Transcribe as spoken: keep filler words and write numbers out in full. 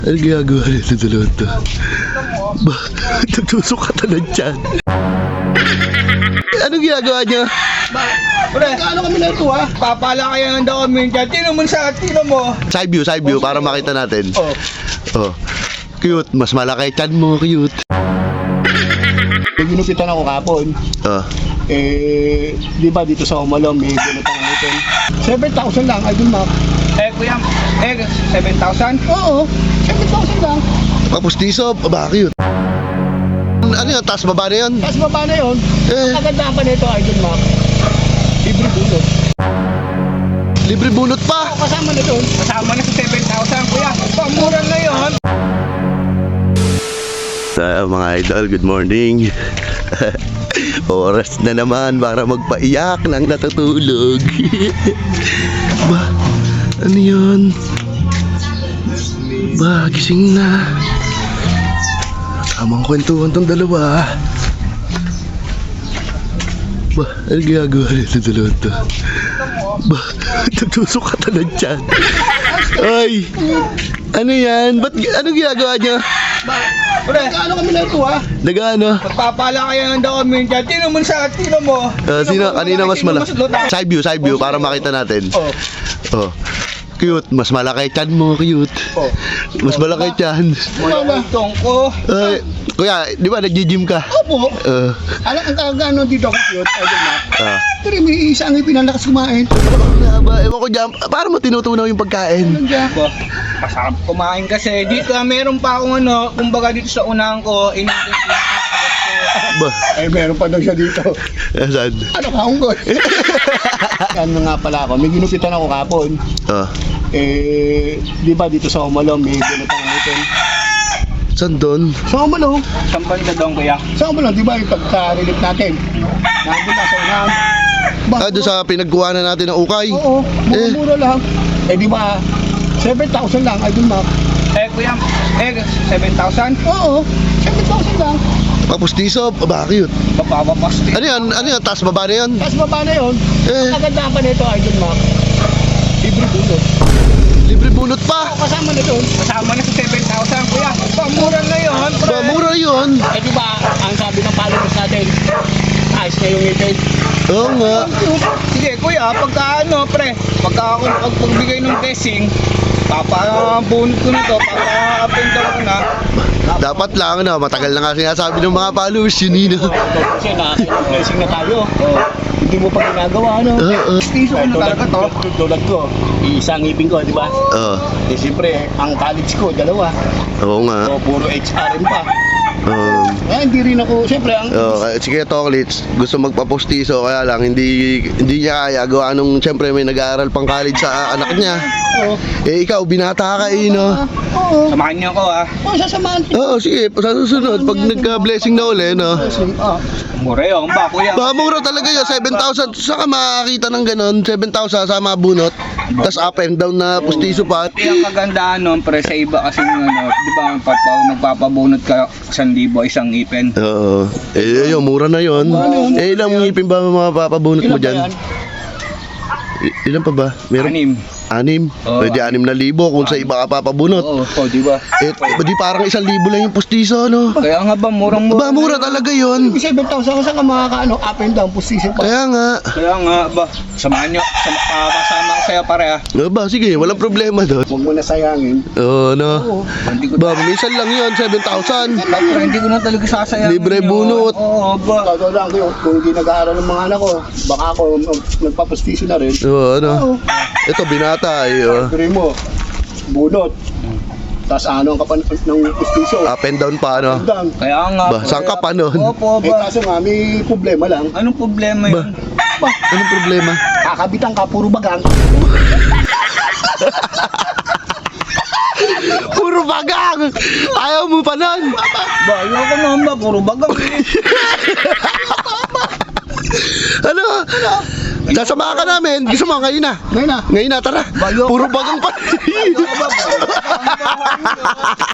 Ano ginagawa nito dalawa to? Ba, nagtusok ka na ng tiyan. Ano ginagawa niya? Pre, ano kami na ito ha? Papala kaya ng daw kami dyan. Tino mo sa tino mo. Side view, side view, para makita natin. Oh. Oh. Cute, mas malaki tiyan mo, cute. May ginupitan ako kapon. Oh. Eh, di ba dito sa Umalong may ginutang natin. seven thousand lang, I don't know. Eh, kuya, eh, seven thousand? Oo, seven thousand lang. Tapos tiso, ba, cute. Ano yun, taas baba na yun? Tapos baba na yun. Eh. Ang kagandahan pa nito, I don't know. Libre bunot. Libre bunot pa! Kasama na doon. Kasama na sa seven thousand, kuya. Pamura na yun. So, mga idol, good morning. Oras na naman para magpaiyak ng natutulog. Ba, ano yun? Ba, gising na. Tamang kwentuhan tong dalawa. Ba, ano ginagawa nito dalawa to? Ba, nagtusok ka na ng tiyan. Ay, ano yan? Ba't, ano ginagawa niya? Pre, Ano kami na ito ha? Nag-ano? papala kaya ng daw kami dyan. Tino mo sa tino mo. Uh, sino, kanina mas malaki? malaki? Side view, side view, para makita natin. Oh. Oh. Cute, mas malaki tiyan mo, cute. Oh. Mas malaki tiyan. Wala itong ko. Ay, kuya, di ba nag-gym ka? Opo. Uh, Alam ang kagano dito ako cute, I don't know. ah. Pero may isang ipinalakas kumain. Ano ba? Ewan ko dyan, para mo tinutunaw yung pagkain. Nandiyan. Ba, masarap kumain kasi. Dito, meron pa akong ano, kumbaga dito sa unahan ko, inintindi ko. Ba, Eh, meron pa daw siya dito. saan? Ano ka, unggoy? Ano nga pala ako, may ginupitan ako kapon. Ah, Eh, di ba dito sa Umalong may ginutang natin. saan doon? Sa Umalong, Saan banda doon, kuya? sa Umalong, di ba yung pagka-relief natin? Nandun na sa unahan. Ba, Ah, doon sa pinagkuhanan natin ng ukay. Oo, Eh. mura lang. Eh, di ba, seven thousand lang, I don't know. Eh, kuya, eh, seven thousand? Oo, seven thousand lang. Tapos tiso, ba, cute. Papapapasti. Ano yan? Ano yan? Taas baba na yun? Tapos baba na yun. Eh. Ang kagandahan pa nito, I don't know. Libre bunot. Libre bunot pa! Kasama na doon. Kasama na sa seven thousand, kuya. Pamura na yun, pre. Ba, mura yun. Eh, di ba, ang sabi ng followers natin, ayos na yung ngipin. Oo nga. Sige, kuya, pagka ano, pre, pagka ako pagbigay ng blessing, papabunod ko nito, papapindaw ko na. Dapat lang, no? Matagal na nga sinasabi ng mga followers yun, Nino. Kasi na-blessing na tayo. Hindi mo pa ginagawa, ano? Oo. Piso ko na talaga to. Tulad ko, isang ngipin ko, di ba? Oo. Eh, siyempre, ang college ko, dalawa. Oo nga. So, puro H R M pa. Um, Eh, hindi rin ako, siyempre, ang... oh, kaya- sige, Toklits, gusto magpapostiso, kaya lang hindi hindi niya kaya gawa nung siyempre may nag-aaral pang college sa anak niya. Oo. Eh ikaw, binata ka eh, no? Oo. Samahan niyo ako, ah. Oo, sasamahan. Oo, sige, sa susunod, pag nagka-blessing na uli, no? Oo. Mura yun, ba, kuya? Baka mura talaga yun, seven thousand. Saka makakita ng ganon, seven thousand sa mga bunot. Tapos up and down na postiso pa. Yung kagandahan nun, pre, sa iba kasi ano, di ba, pag magpapabunot ka isang libo, isang ipin. Oo. Eh, yun, mura na yun. Eh, ilang ngipin ba mga papabunot mo Ilan ba dyan? yan? I- ilan pa ba? Meron? Anim. Anim? Oo. Pwede anim na libo kung sa iba ka papabunot. Oo, oh, di ba? Eh, di parang isang libo lang yung postiso, no? Kaya nga ba, murang-mura. Ba, mura talaga yun. seven thousand ka sa makakaano, up and down position pa. Kaya nga. Kaya nga ba, samahan niyo, sama, kasama ko sa'yo pare, ah. O ba, sige, walang problema doon. Huwag mo na sayangin. Oo, no? Oo. Hindi ko Ba, minsan lang yun, seven thousand. Ba, pre, hindi ko na talaga sasayangin Libre yun. bunot. Oo, ba. Totoo lang ko, kung hindi nag-aaral ng mga anak ko, baka ako mag- nagpapostisyon na rin. Oo, ano? Oo. Ito, binata, eh. oh. Pero mo, bunot. Tapos ano ang kapan ng postisyon? Up and down pa, ano? Down. Kaya nga. Ba, pre. saan ka pa nun? Opo, Eh ba. kaso nga, may problema lang. Anong problema Ba, yun? anong problema? Kakabitan ka, puro bagang. Puro bagang! Ayaw mo pa nun! Ba, ayoko naman ba, puro bagang. Ano? Sasama ka namin. Gusto mo, ngayon na. Ngayon na. Ngayon na, tara. Bayo. Puro bagang pa. Ayoko ba, ba?